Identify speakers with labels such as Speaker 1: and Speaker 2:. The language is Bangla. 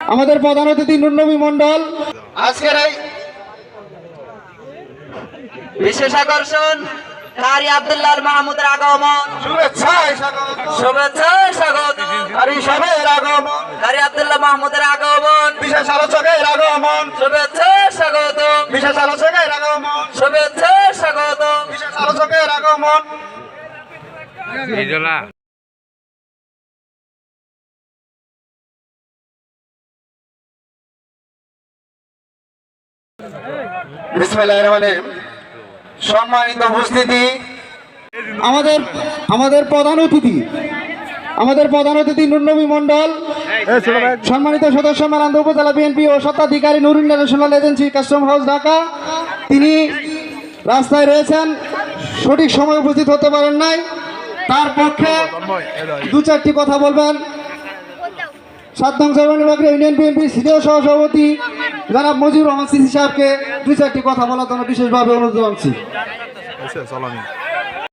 Speaker 1: আমাদের প্রধান অতিথি নুরনবী মণ্ডল
Speaker 2: আজকের এই বিশেষ আকর্ষণ কারি আব্দুল্লাহ মাহমুদের আগমন।
Speaker 1: শুভেচ্ছায় স্বাগত।
Speaker 2: শুভেচ্ছায় স্বাগত।
Speaker 1: কারি সাহেবের আগমন,
Speaker 2: কারি আব্দুল্লাহ মাহমুদের আগমন।
Speaker 1: বিশেষ আলোচকের আগমন,
Speaker 2: শুভেচ্ছায় স্বাগত।
Speaker 1: বিশেষ আলোচকের আগমন,
Speaker 2: শুভেচ্ছায় স্বাগত।
Speaker 1: বিশেষ আলোচকের আগমন। বিসমিল্লাহির রহমানির রহিম। সম্মানিত উপস্থিতি, আমাদের প্রধান অতিথি নুরনবী মণ্ডল, সম্মানিত সদস্য মেলান্দ উপজেলা বিএনপি ও স্বত্বাধিকারী Noor international agency custom house Dhaka, তিনি রাস্তায় রয়েছেন, সঠিক সময় উপস্থিত হতে পারেন নাই। তার পক্ষে দু চারটি কথা বলবেন ৭ নং সর্বনির্বাহী ইউনিয়ন বিএনপি সিনিয়র সহসভাপতি জনাব মজিবুর রহমান সিসি সাহেবকে দু চারটি কথা বলার জন্য বিশেষভাবে অনুরোধ জানাচ্ছি।